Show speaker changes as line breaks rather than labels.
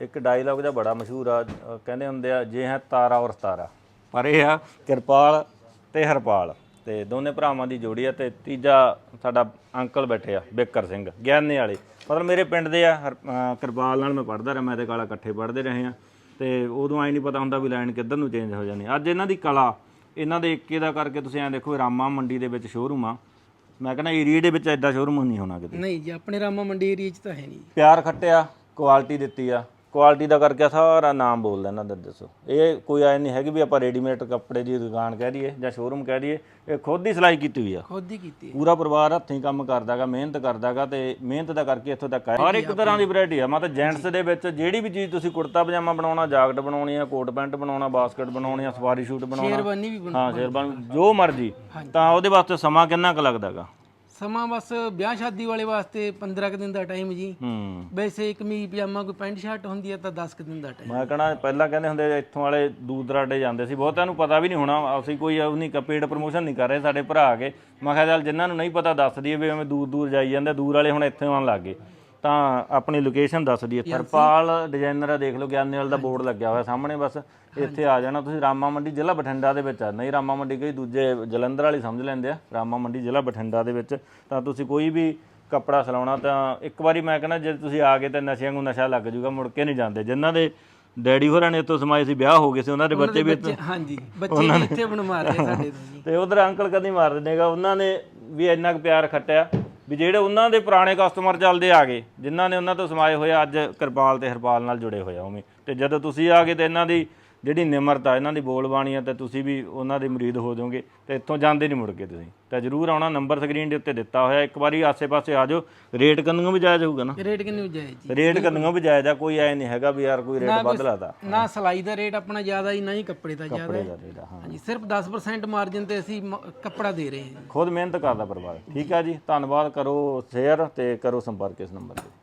ਇੱਕ ਡਾਇਲੌਗ ਜਿਹਾ ਬੜਾ ਮਸ਼ਹੂਰ ਆ, ਕਹਿੰਦੇ ਹੁੰਦੇ ਆ ਜੇ ਹੈ ਤਾਰਾ ਔਰ ਸਤਾਰਾ, ਪਰ ਇਹ ਆ ਕਿਰਪਾਲ ਤੇ ਹਰਪਾਲ, ਤੇ ਦੋਨੇ ਭਰਾਵਾਂ ਦੀ ਜੋੜੀ ਆ। ਤੇ ਤੀਜਾ ਸਾਡਾ ਅੰਕਲ ਬੈਠੇ ਆ ਬਿੱਕਰ ਸਿੰਘ ਗਿਆਨੇ ਵਾਲੇ, ਮਤਲਬ ਮੇਰੇ ਪਿੰਡ ਦੇ ਆ। ਕਿਰਪਾਲ ਨਾਲ ਮੈਂ ਪੜ੍ਹਦਾ ਰਿਹਾ, ਮੈਂ ਤੇ ਕਾਲਾ ਇਕੱਠੇ ਪੜ੍ਹਦੇ ਰਹੇ ਆ, ਤੇ ਉਦੋਂ ਐਂ ਨਹੀਂ ਪਤਾ ਹੁੰਦਾ ਵੀ ਲਾਈਨ ਕਿੱਧਰ ਨੂੰ ਚੇਂਜ ਹੋ ਜਾਣੀ। ਅੱਜ ਇਹਨਾਂ ਦੀ ਕਲਾ, ਇਹਨਾਂ ਦੇ ਏਕੇ ਦਾ ਕਰਕੇ ਤੁਸੀਂ ਐਂ ਦੇਖੋ, ਰਾਮਾ ਮੰਡੀ ਦੇ ਵਿੱਚ ਸ਼ੋਰੂਮ ਆ, ਮੈਂ ਕਹਿੰਦਾ ਏਰੀਏ ਦੇ ਵਿੱਚ ਐਡਾ ਸ਼ੋਰੂਮ ਨਹੀਂ ਹੋਣਾ ਕਿਤੇ।
ਨਹੀਂ ਜੀ, ਆਪਣੇ ਰਾਮਾ ਮੰਡੀ ਏਰੀਏ 'ਚ ਤਾਂ ਹੈ ਨਹੀਂ।
ਪਿਆਰ ਖੱਟਿਆ, ਕੁਆਲਿਟੀ ਦਿੱਤੀ ਆ, ਕੁਆਲਿਟੀ ਦਾ ਕਰਕੇ ਸਾਰਾ ਨਾਮ ਬੋਲਦਾ ਇਹਨਾਂ ਦਾ। ਦੱਸੋ ਇਹ ਕੋਈ ਐ ਨਹੀਂ ਹੈਗੀ ਵੀ ਆਪਾਂ ਰੈਡੀਮੇਡ ਕੱਪੜੇ ਦੀ ਦੁਕਾਨ ਕਹਿ ਦਈਏ ਜਾਂ ਸ਼ੋਰੂਮ ਕਹਿ ਦਈਏ, ਇਹ ਖੁਦ ਹੀ ਸਿਲਾਈ ਕੀਤੀ ਹੋਈ ਆ,
ਖੁਦ ਹੀ ਕੀਤੀ ਹੈ।
ਪੂਰਾ ਪਰਿਵਾਰ ਹੱਥੀਂ ਕੰਮ ਕਰਦਾਗਾ, ਮਿਹਨਤ ਕਰਦਾਗਾ, ਤੇ ਮਿਹਨਤ ਦਾ ਕਰਕੇ ਇੱਥੋਂ ਤੱਕ ਆਇਆ। ਹਰ ਇੱਕ ਤਰ੍ਹਾਂ ਦੀ ਵੈਰਾਈਟੀ ਆ, ਮਤਲਬ ਜੈਂਟਸ ਦੇ ਵਿੱਚ ਜਿਹੜੀ ਵੀ ਚੀਜ਼ ਤੁਸੀਂ ਕੁੜਤਾ ਪਜਾਮਾ ਬਣਾਉਣਾ, ਜਾਕਟ ਬਣਾਉਣੀ ਆ, ਕੋਟ ਪੈਂਟ ਬਣਾਉਣਾ, ਬਾਸਕਟ ਬਣਾਉਣੀ ਆ, ਸਵਾਰੀ ਸ਼ੂਟ ਬਣਾਉਣਾ,
ਸ਼ੇਰਵਾਨੀ ਵੀ
ਹਾਂ ਸ਼ੇਰਵਾਨੀ, ਜੋ ਮਰਜੀ, ਤਾਂ ਉਹਦੇ ਵਾਸਤੇ ਸਮਾਂ ਕਿੰਨਾ ਕੁ ਲੱਗਦਾਗਾ?
ਸਮਾਂ ਬਸ ਵਿਆਹ ਸ਼ਾਦੀ ਵਾਲੇ ਵਾਸਤੇ 15 ਕੁ ਦਿਨ ਦਾ ਟਾਈਮ ਜੀ। ਵੈਸੇ ਕਮੀਜ਼ ਪਜਾਮਾ ਕੋਈ ਪੈਂਟ ਸ਼ਰਟ ਹੁੰਦੀ ਹੈ ਤਾਂ 10 ਕੁ ਦਿਨ ਦਾ ਟਾਈਮ।
ਮੈਂ ਕਹਣਾ ਪਹਿਲਾਂ ਕਹਿੰਦੇ ਹੁੰਦੇ ਇੱਥੋਂ ਵਾਲੇ ਦੂਰ ਦਰਾਡੇ ਜਾਂਦੇ ਸੀ, ਬਹੁਤਿਆਂ ਨੂੰ ਪਤਾ ਵੀ ਨਹੀਂ ਹੋਣਾ, ਅਸੀਂ ਕੋਈ ਨਹੀਂ ਪੇਡ ਪ੍ਰਮੋਸ਼ਨ ਨਹੀਂ ਕਰ ਰਹੇ ਸਾਡੇ ਭਰਾ ਆ ਕੇ। ਮੈਂ ਕਿਹਾ ਚੱਲ ਜਿਨ੍ਹਾਂ ਨੂੰ ਨਹੀਂ ਪਤਾ ਦੱਸ ਦਈਏ ਵੀ ਐਵੇਂ ਦੂਰ ਦੂਰ ਜਾਈ ਜਾਂਦੇ, ਦੂਰ ਵਾਲੇ ਹੁਣ ਇੱਥੇ ਆਉਣ ਲੱਗ ਗਏ, ਤਾਂ ਆਪਣੀ ਲੋਕੇਸ਼ਨ ਦੱਸ ਦਈਏ। ਹਰਪਾਲ ਡਿਜ਼ਾਈਨਰ ਆ, ਦੇਖ ਲਓ ਗਿਆਨੇਵਾਲ ਦਾ ਬੋਰਡ ਲੱਗਿਆ ਹੋਇਆ ਸਾਹਮਣੇ, ਬਸ ਇੱਥੇ ਆ ਜਾਣਾ ਤੁਸੀਂ। ਰਾਮਾ ਮੰਡੀ ਜ਼ਿਲ੍ਹਾ ਬਠਿੰਡਾ ਦੇ ਵਿੱਚ ਆ, ਨਹੀਂ ਰਾਮਾ ਮੰਡੀ ਕਈ ਦੂਜੇ ਜਲੰਧਰ ਵਾਲੀ ਸਮਝ ਲੈਂਦੇ ਆ, ਰਾਮਾ ਮੰਡੀ ਜ਼ਿਲ੍ਹਾ ਬਠਿੰਡਾ ਦੇ ਵਿੱਚ। ਤਾਂ ਤੁਸੀਂ ਕੋਈ ਵੀ ਕੱਪੜਾ ਸਿਲਾਉਣਾ ਤਾਂ ਇੱਕ ਵਾਰੀ ਮੈਂ ਕਹਿੰਦਾ ਜੇ ਤੁਸੀਂ ਆ ਗਏ ਤਾਂ ਨਸ਼ਿਆਂ ਨੂੰ ਨਸ਼ਾ ਲੱਗ ਜੂਗਾ, ਮੁੜ ਕੇ ਨਹੀਂ ਜਾਂਦੇ। ਜਿਨ੍ਹਾਂ ਦੇ ਡੈਡੀ ਹੋਰਾਂ ਨੇ ਇੱਥੋਂ ਸਮਾਏ ਸੀ, ਵਿਆਹ ਹੋ ਗਏ ਸੀ, ਉਹਨਾਂ ਦੇ ਬੱਚੇ ਵੀ
ਹਾਂਜੀ, ਬੱਚੇ ਵੀ ਇੱਥੇ ਬਣ ਮਾਰਦੇ ਸਾਡੇ ਤੋਂ ਜੀ।
ਤੇ ਉਧਰ ਅੰਕਲ ਕਦੀ ਮਾਰ ਦਿੰਦੇਗਾ, ਉਹਨਾਂ ਨੇ ਵੀ ਇੰਨਾ ਕੁ ਪਿਆਰ ਖੱਟਿਆ ਵੀ ਜਿਹੜੇ ਉਹਨਾਂ ਦੇ ਪੁਰਾਣੇ ਕਸਟਮਰ ਚੱਲਦੇ ਆ ਗਏ, ਜਿਨ੍ਹਾਂ ਨੇ ਉਹਨਾਂ ਤੋਂ ਸਮਾਏ ਹੋਏ, ਅੱਜ ਕਿਰਪਾਲ ਤੇ ਹਰਪਾਲ ਨਾਲ ਜੁੜੇ ਹੋਏ ਆ ਉਵੇਂ। ਤੇ ਜਦੋਂ ਤੁਸੀਂ ਆ ਗਏ ਤੇ ਇਹਨਾਂ ਦੀ ਜਿਹੜੀ ਨਿਮਰਤਾ, ਇਹਨਾਂ ਦੀ ਬੋਲਬਾਣੀ ਆ, ਤੇ ਤੁਸੀਂ ਵੀ ਉਹਨਾਂ ਦੇ ਮੁਰੀਦ ਹੋ ਜਾਓਗੇ, ਤੇ ਇੱਥੋਂ ਜਾਂਦੇ ਨਹੀਂ ਮੁੜ ਕੇ ਤੁਸੀਂ। ਤਾਂ ਜ਼ਰੂਰ ਆਉਣਾ, ਨੰਬਰ ਸਕਰੀਨ ਦੇ ਉੱਤੇ ਦਿੱਤਾ ਹੋਇਆ, ਇੱਕ ਵਾਰੀ ਆਸੇ-ਪਾਸੇ ਆ ਜਾਓ। ਰੇਟ ਕੰਨੋਂ ਵੀ ਜਾਇਜ਼ ਹੋਊਗਾ ਨਾ?
ਰੇਟ ਕਿੰਨੇ ਜਾਇਜ਼ ਜੀ?
ਰੇਟ ਕੰਨੋਂ ਵੀ ਜਾਇਜ਼ ਆ, ਕੋਈ ਐ ਨਹੀਂ ਹੈਗਾ ਵੀ ਯਾਰ ਕੋਈ ਰੇਟ ਵੱਧ ਲਾਤਾ।
ਨਾ ਸਿਲਾਈ ਦਾ ਰੇਟ ਆਪਣਾ ਜ਼ਿਆਦਾ ਹੀ, ਨਾ ਹੀ ਕੱਪੜੇ ਦਾ ਜ਼ਿਆਦਾ ਹੈ।
ਹਾਂ
ਹਾਂਜੀ, ਸਿਰਫ 10% ਮਾਰਜਨ ਤੇ ਅਸੀਂ ਕੱਪੜਾ ਦੇ ਰਹੇ ਹਾਂ।
ਖੁਦ ਮਿਹਨਤ ਕਰਦਾ ਪਰਿਵਾਰ। ਠੀਕ ਆ ਜੀ, ਧੰਨਵਾਦ। ਕਰੋ ਸ਼ੇਅਰ ਤੇ ਕਰੋ ਸੰਪਰਕ ਇਸ ਨੰਬਰ 'ਤੇ।